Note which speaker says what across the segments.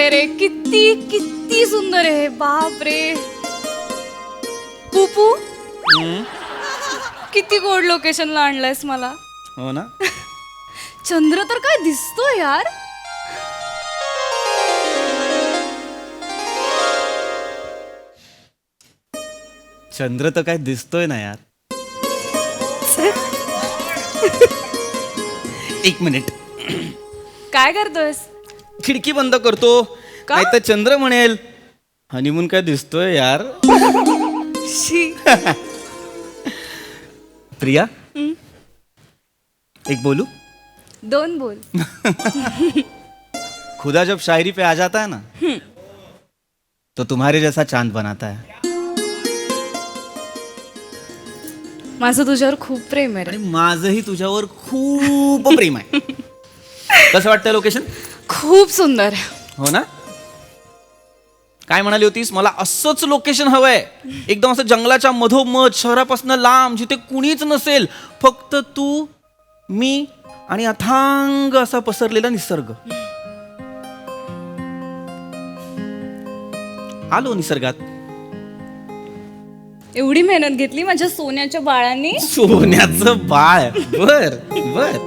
Speaker 1: आहे रे, किती किती सुंदर आहे, बाप रे. पुपू किती गोड लोकेशनला आणलंयस मला.
Speaker 2: हो ना.
Speaker 1: चंद्र तर काय दिसतो यार.
Speaker 2: चंद्र तर काय दिसतोय ना यार. एक मिनिट,
Speaker 1: काय करतोयस.
Speaker 2: खिडकी बंद करतो.
Speaker 1: का?
Speaker 2: नाही तर चंद्र म्हणेल हनीमून काय दिसतोय यार.
Speaker 1: शी.
Speaker 2: प्रिया, एक बोलू.
Speaker 1: दोन बोल.
Speaker 2: खुदा जब शायरी पे आ जाता है ना तो तुम्हारे जैसा चांद बनाता है.
Speaker 1: माझं तुझ्यावर खूप प्रेम आहे रे.
Speaker 2: आणि माझंही तुझ्यावर खूप प्रेम आहे. कसं वाटतंय लोकेशन.
Speaker 1: खूप सुंदर आहे.
Speaker 2: हो ना. काय म्हणाली होतीस. मला असंच लोकेशन हवंय, एकदम असं जंगलाच्या मधोमध, शहरापासून लांब, जिथे कुणीच नसेल, फक्त तू, मी आणि अथांग असा पसरलेला निसर्ग. आलो निसर्गात.
Speaker 1: एवढी मेहनत घेतली माझ्या सोन्याच्या बाळांनी.
Speaker 2: सोन्याचं बाळ. बर बर.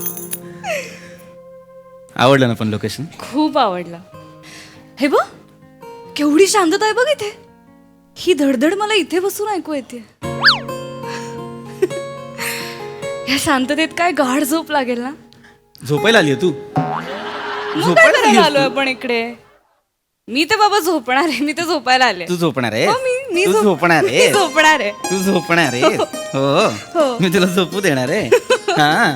Speaker 2: आवडलं ना पण लोकेशन.
Speaker 1: खूप आवडलं. हे बघ केवढी शांतता आहे बघ इथे. ही धडधड मला इथे बसून ऐकू येते. या शांततेत काय गाढ झोप लागेल ना.
Speaker 2: झोपायला आली तू.
Speaker 1: मग काय करायला आलोय आपण इकडे. मी तर बाबा झोपणार आहे. मी तर झोपायला आले.
Speaker 2: तू झोपणार आहे.
Speaker 1: हो, मी
Speaker 2: तू झोपणार आहे.
Speaker 1: मी झोपणार आहे.
Speaker 2: तू झोपणार आहे. हो
Speaker 1: हो.
Speaker 2: मी तुला झोपू देणार आहे. हा.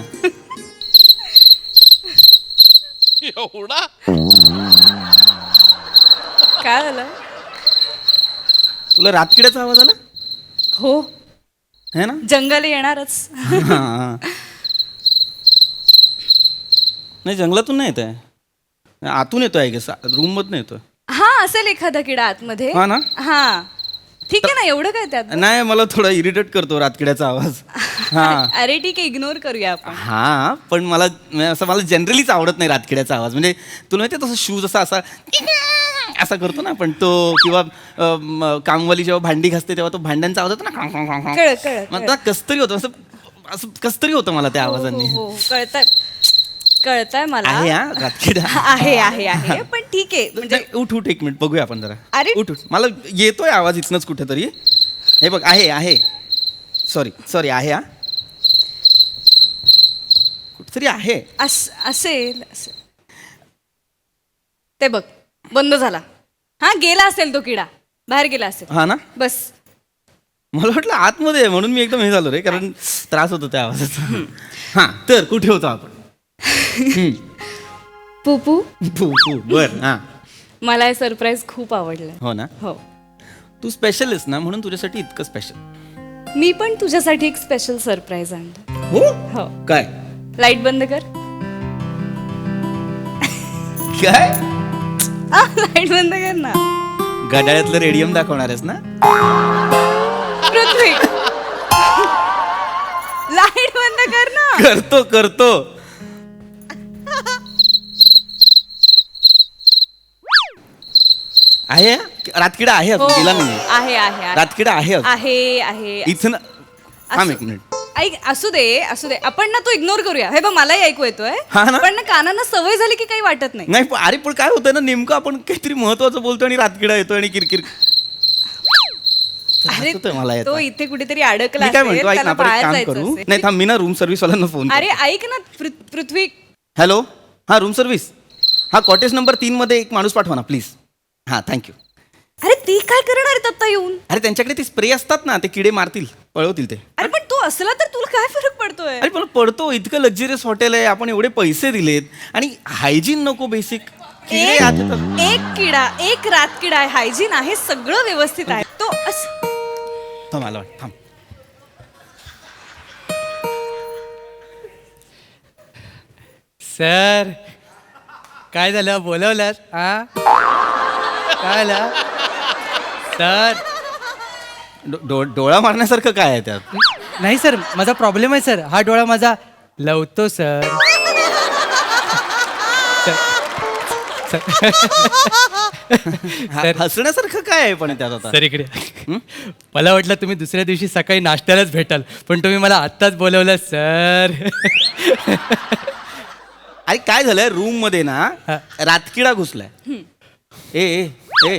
Speaker 3: एवढा
Speaker 1: काय झालं.
Speaker 2: तुला रातकिड्याचा आवाज आला.
Speaker 1: हो
Speaker 2: है ना.
Speaker 1: जंगल येणारच.
Speaker 2: हा. नाही जंगलातून नाही येत आहे, आतून येतोय का. रूम मधून येतोय.
Speaker 1: हा असेल एखादा किडा आतमध्ये.
Speaker 2: हा ना.
Speaker 1: हा ठीक आहे ना. एवढं काय त्यात.
Speaker 2: नाही मला थोडा इरिटेट करतो रातकिड्याचा आवाज. हा.
Speaker 1: अरे ठीक आहे इग्नोर करूया आपण.
Speaker 2: हा पण मला असं मला जनरलीच आवडत नाही रातकिड्याचा आवाज. म्हणजे तुला माहिती तसं शूज असा असा करतो ना आपण तो, किंवा कामवाली जेव्हा भांडी घासते तेव्हा तो भांड्यांचा आवाज होतो ना. मला कसतरी होतं असं असं कसतरी होतं मला त्या आवाजाने.
Speaker 1: हो कळतंय मला.
Speaker 2: आहे हा रातकिडा.
Speaker 1: आहे आहे आहे पण ठीक आहे म्हणजे.
Speaker 2: उठ उठ एक मिनिट बघूया आपण जरा.
Speaker 1: अरे.
Speaker 2: उठ उठ. मला येतोय आवाज इथनच कुठेतरी. हे बघ आहे आहे. सॉरी सॉरी आहे हा. कुठेतरी आहे.
Speaker 1: असेल. ते बघ बंद झाला. हा गेला असेल तो किडा. बाहेर गेला असेल.
Speaker 2: हा ना.
Speaker 1: बस.
Speaker 2: मला वाटलं आतमध्ये आहे म्हणून मी एकदम हे झालो रे, कारण त्रास होतो त्या आवाजाचा. हा तर कुठे होतो आपण.
Speaker 1: पुपू
Speaker 2: बर. हा.
Speaker 1: मला हे सरप्राईज खूप आवडलं.
Speaker 2: हो ना.
Speaker 1: हो
Speaker 2: तू स्पेशल आहेस ना म्हणून तुझ्यासाठी इतकं स्पेशल.
Speaker 1: मी पण तुझ्यासाठी एक स्पेशल सरप्राईज आणलं.
Speaker 2: हो.
Speaker 1: हो
Speaker 2: काय.
Speaker 1: लाईट बंद कर.
Speaker 2: काय.
Speaker 1: लाईट बंद कर ना.
Speaker 2: घड्याळ्यातलं रेडियम दाखवणार आहेस ना.
Speaker 1: पृथ्वी लाईट बंद कर ना.
Speaker 2: करतो करतो. आहे रातकिडा आहे.
Speaker 1: हो,
Speaker 2: गेला नाही.
Speaker 1: आहे आहे
Speaker 2: रातकिडा आहे.
Speaker 1: आहे आहे.
Speaker 2: इथं ना. थांब एक मिनिट.
Speaker 1: ऐक असू दे आपण ना तो इग्नोर करूया. हे बघ मलाही ऐकू येतोय.
Speaker 2: हा ना?
Speaker 1: पण ना कानांना सवय झाली की काही वाटत नाही.
Speaker 2: नाही अरे पण काय होतं ना नेमकं आपण काहीतरी महत्वाचं बोलतो आणि रातकिडा येतो आणि किरकिर.
Speaker 1: अरे
Speaker 2: होतंय मला याचा.
Speaker 1: तो इथे कुठेतरी अडकला
Speaker 2: मी काय
Speaker 1: असेल,
Speaker 2: म्हणतो ऐक
Speaker 1: त्याला
Speaker 2: ना आपण एक
Speaker 1: बाहेर
Speaker 2: काम
Speaker 1: जायचं
Speaker 2: करू.
Speaker 1: असेल.
Speaker 2: नाही थांब मी ना रूम सर्व्हिस वाल्यांना फोन.
Speaker 1: अरे ऐक ना पृथ्वी.
Speaker 2: हॅलो. हा रूम सर्व्हिस. हा कॉटेज नंबर 3 मध्ये एक माणूस पाठवा ना प्लीज. हा थँक्यू.
Speaker 1: अरे ती काय करणार आहेत आता येऊन.
Speaker 2: अरे त्यांच्याकडे ते स्प्रे असतात ना, ते किडे मारतील, पळवतील ते.
Speaker 1: अरे पण तू असला तर तुला काय फरक पडतोय.
Speaker 2: अरे पण पडतो. इतकं लक्झरियस हॉटेल आहे, आपण एवढे पैसे दिलेत आणि हायजीन नको बेसिक.
Speaker 1: एक किडा एक रातकिडा आहे. हायजीन आहे सगळं व्यवस्थित आहे. तो
Speaker 2: मला वाटतं थांब.
Speaker 4: सर काय झालं बोलवलं. हा काय झालं सर.
Speaker 2: डोळा मारण्यासारखं काय आहे त्यात.
Speaker 4: नाही सर माझा प्रॉब्लेम आहे सर. हा डोळा माझा लवतो सर.
Speaker 2: हसण्यासारखं काय आहे पण त्यात आता?
Speaker 4: सर इकडे मला वाटलं तुम्ही दुसऱ्या दिवशी सकाळी नाश्त्यालाच भेटाल, पण तुम्ही मला आत्ताच बोलवलं सर.
Speaker 2: अरे काय झालंय, रूम मध्ये ना
Speaker 4: हा.
Speaker 2: रातकिडा घुसलाय. ए ए ए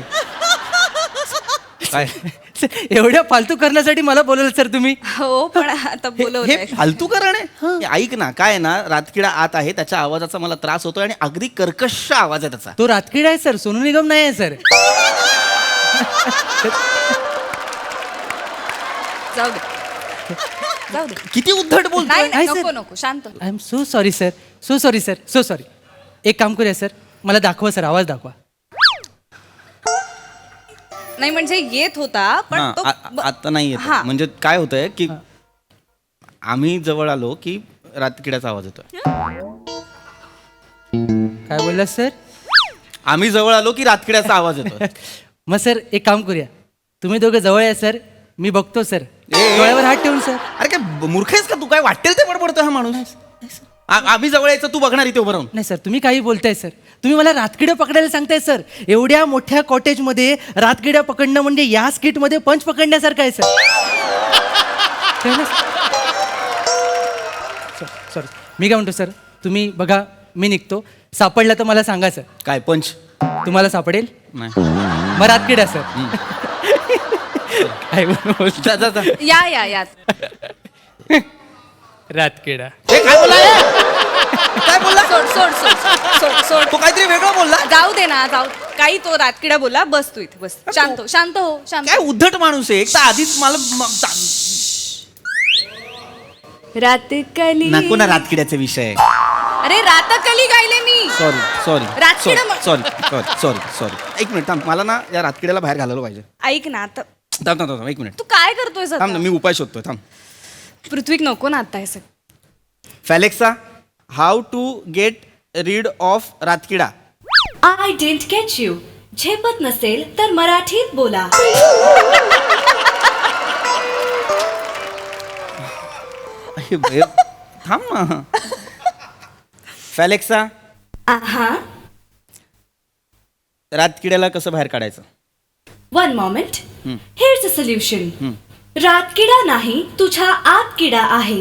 Speaker 2: काय
Speaker 4: सर, एवढ्या फालतू करण्यासाठी मला बोलवलं सर तुम्ही.
Speaker 1: हो पण आता
Speaker 2: हे
Speaker 1: बोलवलंय.
Speaker 2: फालतू कारण आहे. हे ऐक ना, काय आहे ना, रातकिडा आत आहे, त्याच्या आवाजाचा मला त्रास होतोय आणि अगदी कर्कश आवाज आहे त्याचा.
Speaker 4: तो रातकिडा आहे सर, सोनू निगम नाही आहे सर.
Speaker 1: जाऊ दे जाऊ दे.
Speaker 2: किती उद्धट बोलतोय.
Speaker 1: नाही नाही,
Speaker 4: नाही,
Speaker 1: नको
Speaker 4: सर.
Speaker 1: नको शांत हो.
Speaker 4: I am so sorry sir, so sorry sir, so sorry. एक काम करूया सर, मला दाखवा सर, आवाज दाखवा.
Speaker 1: नाही म्हणजे येत होता पण
Speaker 2: हा,
Speaker 1: तो
Speaker 2: आता नाही येत.
Speaker 1: हा.
Speaker 2: म्हणजे काय होतंय की आम्ही जवळ आलो की रातकिड्याचा आवाज येतोय.
Speaker 4: काय बोलला सर?
Speaker 2: आम्ही जवळ आलो की रातकिड्याचा आवाज येतोय.
Speaker 4: मग सर एक काम करूया, तुम्ही दोघं जवळ या सर, मी बघतो सर.
Speaker 2: ए.
Speaker 4: डोळ्यावर हात ठेवून सर.
Speaker 2: अरे काय मूर्ख आहेस का तू? काय वाटेल ते बडबडतोय हा माणूस. आम्ही जवळ यायचं, तू बघणार इथे उभं राहून.
Speaker 4: नाही सर, तुम्ही काही बोलताय सर, तुम्ही मला रातकिड्या पकडायला सांगताय सर. एवढ्या मोठ्या कॉटेजमध्ये रातकिड्या पकडणं म्हणजे या स्किटमध्ये पंच पकडण्यासारखं आहे सर. सॉरी, मी काय म्हणतो सर, तुम्ही बघा, मी निघतो. सापडला तर मला सांगा सर.
Speaker 2: काय पंच?
Speaker 4: तुम्हाला सापडेल
Speaker 2: नाही.
Speaker 4: मग रातकिड्या सर. काय बोलतो?
Speaker 2: जा जा जा.
Speaker 1: या या या.
Speaker 4: रातकिडा.
Speaker 2: ए, काय बोलला रे? काय बोलला?
Speaker 1: सोड सोड सोड सोड सोड.
Speaker 2: तो काहीतरी वेगळं बोलला.
Speaker 1: जाऊ दे ना, जाऊ. काही तो रातकिडा बोला. बस तू इथे बस. शांत हो शांत हो शांत
Speaker 2: काय
Speaker 1: हो.
Speaker 2: उद्धट माणूस आहे. एक तर आधीच मला
Speaker 1: रातकली.
Speaker 2: नको ना रातकिड्याचा विषय.
Speaker 1: अरे रातकली गायले मी.
Speaker 2: सॉरी सॉरी
Speaker 1: रातकिडा
Speaker 2: सॉरी सॉरी सॉरी सॉरी. एक मिनिट थांब, मला ना या रातकिड्याला बाहेर घालायला पाहिजे.
Speaker 1: ऐक ना आता
Speaker 2: थांब थांब थांब एक मिनिट
Speaker 1: तू काय करतोय
Speaker 2: थांब ना, मी उपाय शोधतोय. थांब.
Speaker 1: पृथ्वीक नको ना आता हे सगळं.
Speaker 2: Alexa, how to get rid of रातकिडा.
Speaker 5: I didn't get you. झेपत नसेल तर मराठीत बोला.
Speaker 2: अरे बे, थांब ना. फॅलेक्सा,
Speaker 5: आहा,
Speaker 2: रातकिड्याला कसं बाहेर काढायचं?
Speaker 5: One moment. Here's a solution. रातकिडा नाही, तुझ्या आत किडा आहे.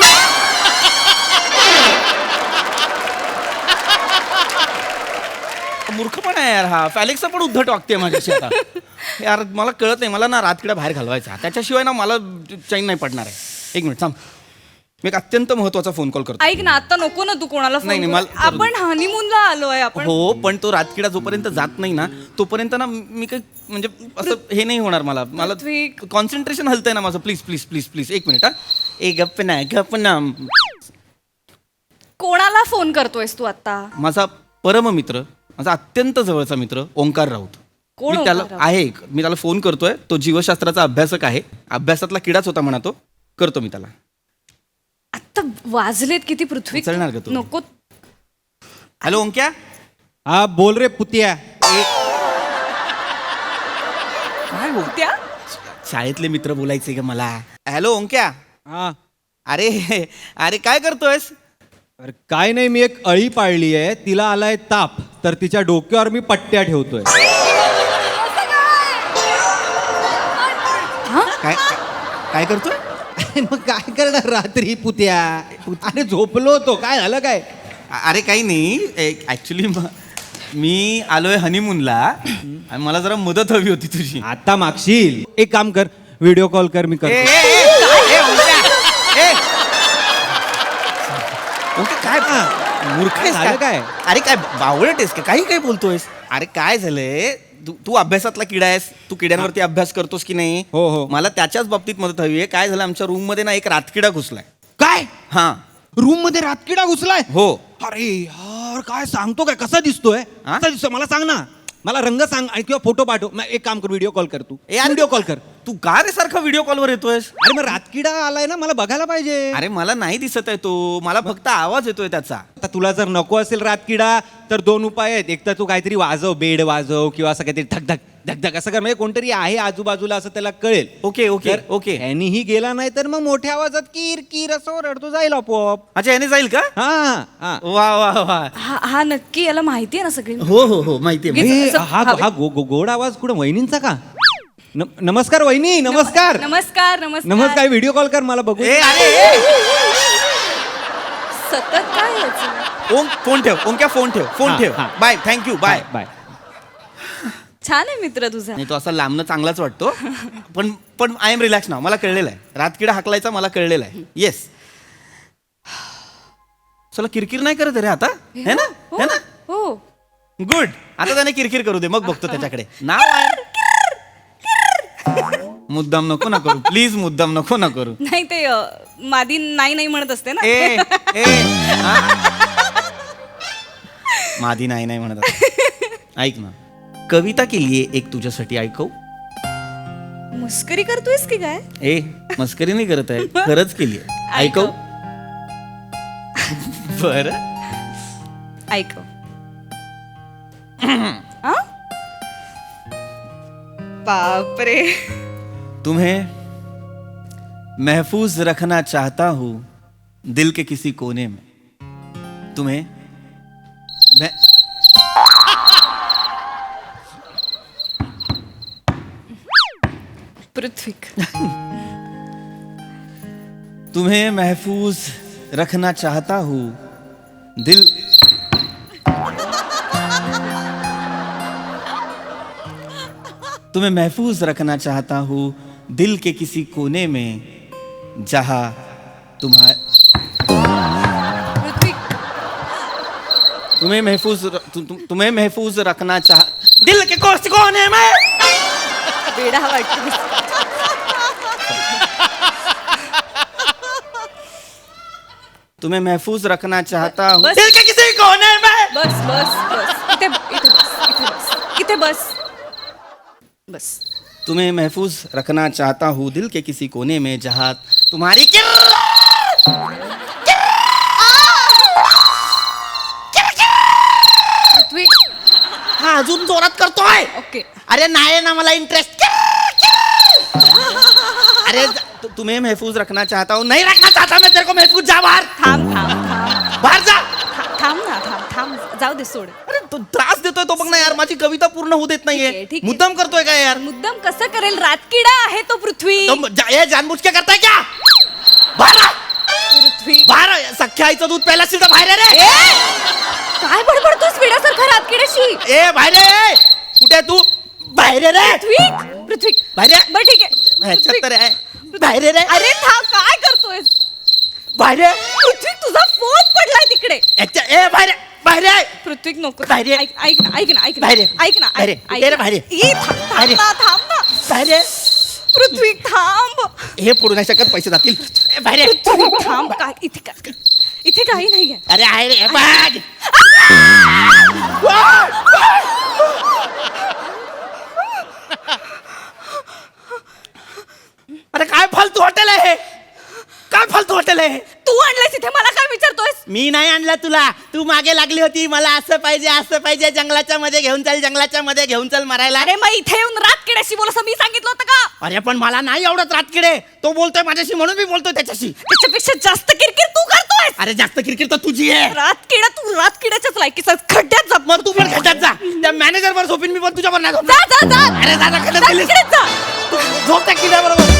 Speaker 2: मूर्खपणा आहे यार हा. फॅलेक्सा पण उद्धट वागते माझ्याशी आता. यार मला कळत नाही, मला ना रातकिडा बाहेर घालवायचा, त्याच्याशिवाय ना मला चैन नाही पडणार आहे. एक मिनिट थांब, मी एक अत्यंत महत्वाचा फोन कॉल करतो.
Speaker 1: ऐक ना आता नको ना तू कोणाला
Speaker 2: नाही,
Speaker 1: फोन
Speaker 2: नाही,
Speaker 1: करू.
Speaker 2: मला-
Speaker 1: आपण हनीमूनला आलोय आपण.
Speaker 2: हो, पण तो रातकिडा जोपर्यंत जात नाही ना तोपर्यंत ना मी काही म्हणजे असं हे नाही होणार. मला
Speaker 1: पृथ्वी.
Speaker 2: कॉन्सन्ट्रेशन हलतंय ना माझं. प्लीज प्लीज प्लीज प्लीज एक मिनिट. हा ए गप्प ना गप्प ना.
Speaker 1: कोणाला फोन करतोयस तू आता?
Speaker 2: माझा परममित्र, माझा अत्यंत जवळचा मित्र ओंकार राऊत.
Speaker 1: कोण
Speaker 2: मी त्याला
Speaker 1: ओंकार राऊत?
Speaker 2: आहे, मी त्याला फोन करतोय. तो जीवशास्त्राचा अभ्यासक आहे. अभ्यासातला किडाच होता म्हणा तो. करतो मी त्याला.
Speaker 1: आता वाजलेत किती पृथ्वी.
Speaker 2: उचलणार का तू?
Speaker 1: नको.
Speaker 2: हॅलो ओंक्या.
Speaker 6: हा बोल रे पुतिया.
Speaker 2: काय हो
Speaker 1: त्या
Speaker 2: शाळेतले मित्र बोलायचे का मला? हॅलो ओंक्या.
Speaker 6: हा
Speaker 2: अरे अरे काय करतोयस?
Speaker 6: अरे काय नाही, मी एक अळी पाळली आहे, तिला आलाय ताप, तर तिच्या डोक्यावर मी पट्ट्या ठेवतोय.
Speaker 2: काय काय करतोय?
Speaker 6: मग काय करणार रात्री पुत्या? अरे झोपलो होतो, काय झालं काय?
Speaker 2: अरे काही नाही, ऍक्च्युली मी आलोय हनीमूनला आणि मला जरा मदत हवी होती तुझी.
Speaker 6: आता मागशील? एक काम कर, व्हिडिओ कॉल कर, मी
Speaker 2: ए,
Speaker 6: करतो.
Speaker 2: ए, ए, ए, ओंक्या, ए. ओंक्या, काय मूर्ख आहेस
Speaker 6: झालं
Speaker 2: का?
Speaker 6: काय?
Speaker 2: अरे काय बावळट आहेस का? काही काय बोलतोयस? अरे काय झालंय, तू अभ्यासातला किडा आहेस. तू किड्यांवरती अभ्यास करतोस की नाही?
Speaker 6: हो, हो.
Speaker 2: मला त्याच्याच बाबतीत मदत हवी आहे. काय झालं, आमच्या रूम मध्ये ना एक रातकिडा घुसलाय.
Speaker 6: काय
Speaker 2: हा.
Speaker 6: रूम मध्ये रातकिडा घुसलाय?
Speaker 2: हो.
Speaker 6: अरे यार, काय सांगतो काय? कसा दिसतोय?
Speaker 2: हा?
Speaker 6: कसा दिसतोय मला सांग ना. मला रंग सांग आणि किंवा फोटो पाठव. मग एक काम कर, व्हिडिओ कॉल कर तू.
Speaker 2: ए, अरे
Speaker 6: व्हिडिओ कॉल कर.
Speaker 2: तू का रे सारखा व्हिडिओ कॉलवर येतोयस?
Speaker 6: अरे मग रातकिडा आलाय ना, मला बघायला पाहिजे.
Speaker 2: अरे मला नाही दिसत आहे तो, मला फक्त आवाज येतोय त्याचा.
Speaker 6: आता तुला जर नको असेल रातकिडा तर दोन उपाय आहेत. एक तर तू काहीतरी वाजव, बेड वाजव किंवा असं काहीतरी धक धक धक धक असं कर, म्हणजे कोणतरी आहे आजूबाजूला असं त्याला कळेल.
Speaker 2: ओके ओके
Speaker 6: जर
Speaker 2: ओके.
Speaker 6: ह्यानीही गेला नाही तर मग मोठ्या आवाजात कीर कीर असं रडतो जाईल आपोआप.
Speaker 2: अच्छा याने जाईल का?
Speaker 6: हा हा.
Speaker 2: वा वा वा.
Speaker 1: हा नक्की याला माहिती आहे ना सगळी.
Speaker 2: हो हो हो माहितीये
Speaker 1: गे-
Speaker 2: माहितीये.
Speaker 1: असं-
Speaker 6: हा हा गोड आवाज कुठं वहिनींचा का? नमस्कार वहिनी, नमस्कार.
Speaker 1: नमस्कार नमस्कार
Speaker 6: नमस्कार, व्हिडिओ कॉल कर मला बघू.
Speaker 2: ए अरे
Speaker 1: सतत काय याचं?
Speaker 2: ओम फोन ठेव. ओम क्या फोन ठेव. फोन
Speaker 6: हा,
Speaker 2: ठेव.
Speaker 6: हा.
Speaker 2: Bye thank you bye.
Speaker 6: बाय.
Speaker 1: छान आहे मित्र तुझा.
Speaker 2: नाही तो असा लांबनं चांगलाच वाटतो. पण पण आय एम रिलॅक्स नाव. मला कळलेलं आहे रातकिडा हाकलायचा मला कळलेलं आहे. येस. चला किरकिर नाही करत रे आता है ना है ना.
Speaker 1: हो
Speaker 2: गुड. आता त्याने किरकिर करू दे मग बघतो त्याच्याकडे. नाव आहे मुद्दाम नको ना करू प्लीज. मुद्दाम नको ना करू.
Speaker 1: नाही ते मादी नाही नाही म्हणत असते ना.
Speaker 2: ए ए हा? मादी नाही नाही म्हणत आहे. ऐक ना कविता केलीये एक तुझ्यासाठी ऐकव.
Speaker 1: मुस्करी करतोयस की काय?
Speaker 2: ए मस्करी नाही करत आहे खरंच केलीये. ऐकव. बर
Speaker 1: ऐकव. आ? बापरे.
Speaker 2: तुम्हें महफूज रखना चाहता हूं दिल के किसी कोने में. तुम्हें मैं
Speaker 1: पृथ्वीक.
Speaker 2: तुम्हें महफूज रखना चाहता हूं दिल तुम्हें महफूज रखना चाहता हूं दिल के किसी कोने में जहां तुम्हारे
Speaker 1: पृथ्वीक.
Speaker 2: तुम्हें महफूज रखना चाह दिल के कोने में.
Speaker 1: वेडा वाटतो.
Speaker 2: तुम्हें महफूज रखना चाहता हूं
Speaker 1: बस.
Speaker 2: दिल के किसी कोने में.
Speaker 1: बस बस बस इथे इथे बस इथे बस बस.
Speaker 2: तुम्हें महफूज रखना चाहता हूँ दिल के किसी कोने में जहाँ तुम्हारी
Speaker 1: पृथ्वीक.
Speaker 2: हा अजून जोरात करतोय.
Speaker 1: ओके.
Speaker 2: अरे नाही ना मला इंटरेस्ट. अरे तुम्हें महफूज रखना चाहता हूँ. नहीं रखना चाहता मैं तेरे को महफूज. जा बाहर.
Speaker 1: थांब थांब थांब
Speaker 2: बाहर जा.
Speaker 1: थांब ना थांब जाऊ दे सोड.
Speaker 2: अरे तो त्रास देतोय तो बघ ना यार. माझी कविता पूर्ण होऊ देत
Speaker 1: ठीक आहे,
Speaker 2: नाहीये.
Speaker 1: ठीक आहे.
Speaker 2: मुद्दाम करतोय का यार.
Speaker 1: मुद्दाम कसं करेल? रातकिडा आहे तो पृथ्वी.
Speaker 2: ये जानबूझ के करताय क्या. बाहर आ.
Speaker 1: पृथ्वी.
Speaker 2: बाहर आ. सख्या आईचं दूध प्यायला असेल तर बाहेर आहे रे.
Speaker 1: काय बडबडतोस वेड्यासारखा रातकिड्याशी?
Speaker 2: ए बाहेर आहे. कुठे आहे तू. बाहेर आहे रे.
Speaker 1: पृथ्वी पृथ्वी.
Speaker 2: बाहेर आहे.
Speaker 1: बरं ठीक आहे.
Speaker 2: ह्याच्यात
Speaker 1: पृथ्वी.
Speaker 2: तर आहे. बाहेर आहे रे.
Speaker 1: अरे थांब काय करतोयस?
Speaker 2: बाहेर आहे.
Speaker 1: पृथ्वी तुझा फोन पडलाय तिकडे.
Speaker 2: याच्या ए बाहेर आहे. बाहेर आहे.
Speaker 1: पृथ्वी नको.
Speaker 2: बाहेर ये.
Speaker 1: ऐक ना ऐक ना ऐक ना
Speaker 2: बाहेर ये.
Speaker 1: ऐक ना
Speaker 2: बाहेर ये.
Speaker 1: ऐक
Speaker 2: ये रे
Speaker 1: ना.
Speaker 2: बाहेर ये.
Speaker 1: ई, थांब
Speaker 2: बाहेर ये.
Speaker 1: ना थांब ना.
Speaker 2: बाहेर आहे.
Speaker 1: पृथ्वी थांब.
Speaker 2: हे पडू नाही शकत पैसे जातील. ए, बाहेर आहे.
Speaker 1: पृथ्वी थांब. काय इथे काही नाहीये.
Speaker 2: अरे आहे रे बघ. अरे काय फालतू हॉटेल आहे. काय फालतू हॉटेल आहे.
Speaker 1: तू आणलंयस इथे मला काय विचारतोयस?
Speaker 2: मी नाही आणला तुला. तू मागे लागली होती मला असं पाहिजे जंगलाच्या मध्ये घेऊन चल मारायला.
Speaker 1: अरे मग इथे येऊन रातकिड्याशी बोल असं मी सांगितलं होतं का?
Speaker 2: अरे पण मला नाही आवडत रातकिडे. तो बोलतोय माझ्याशी म्हणून मी बोलतोय त्याच्याशी.
Speaker 1: त्याच्यापेक्षा जास्त किरकिर तू करतोयस.
Speaker 2: अरे जास्त किरकिर तर तुझी आहे.
Speaker 1: रातकिडा तू रातकिड्याच्याच लायकीचा खड्ड्यात जा.
Speaker 2: मग तू पण खड्ड्यात जा. त्या मॅनेजर वर झोपीन मी पण तुझ्यावर नाही
Speaker 1: जा
Speaker 2: झोपणार.
Speaker 1: जा जा.
Speaker 2: अरे दादा खड्ड्यात गेलीस.
Speaker 1: रातकिड्यात जा.
Speaker 2: झोप त्या किल्ल्याबरोबर.